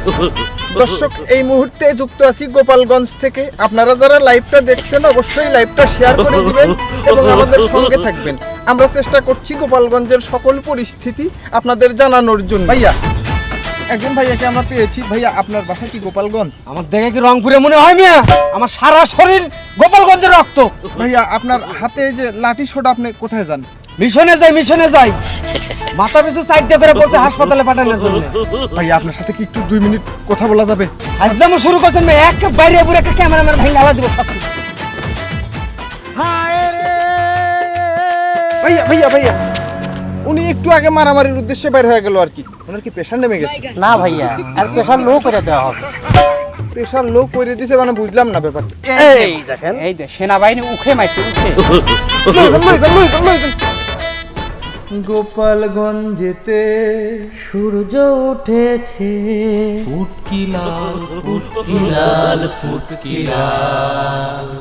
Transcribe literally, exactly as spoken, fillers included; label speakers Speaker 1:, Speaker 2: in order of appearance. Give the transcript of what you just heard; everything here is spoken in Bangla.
Speaker 1: দর্শক, এই মুহূর্তে যুক্ত আছি গোপালগঞ্জ থেকে। আপনারা যারা লাইভটা দেখছেন অবশ্যই লাইভটা শেয়ার করে দিবেন এবং আমাদের সঙ্গে থাকবেন। আমরা চেষ্টা করছি গোপালগঞ্জের সকল পরিস্থিতি আপনাদের জানানোর জন্য। ভাইয়া, একজন ভাইয়াকে আমরা পেয়েছি। ভাইয়া, আপনার বাসা কি গোপালগঞ্জ?
Speaker 2: আমার দেখে কি রংপুরে মনে হয় মিয়া? আমার সারা শরীর গোপালগঞ্জের রক্ত।
Speaker 1: ভাইয়া, আপনার হাতে যে লাঠি সোটা, আপনি কোথায় যান?
Speaker 2: মিশনে যাই, মিশনে যাই। মাথা পিছু সাইডটা করে পড়ছে হাসপাতালে পাঠানোর জন্য।
Speaker 1: ভাইয়া, আপনার সাথে কি একটু দুই মিনিট কথা বলা যাবে?
Speaker 2: আজলামও শুরু করছেন না, এক বাইরে পুরো একটা ক্যামেরাম্যান ভাঙা আলা দিব সব কিছু।
Speaker 1: ভাইয়া ভাইয়া ভাইয়া উনি একটু আগে মারামারির উদ্দেশ্যে বের হয়ে গেল আর কি। ওনার কি প্রেশার নেমে গেছে?
Speaker 3: না ভাইয়া, আর প্রেশার লো করে দেওয়া হবে।
Speaker 1: প্রেশার লো করে দিয়েছে মানে বুঝলাম না ব্যাপারটা।
Speaker 3: এই দেখেন,
Speaker 2: এই যে সেনাবাহিনী উখে মাইছে, উখে।
Speaker 1: গোপালগঞ্জেতে
Speaker 3: সূর্য উঠেছে,
Speaker 4: ফুটকি লাল ফুটকি লাল ফুটকি লাল।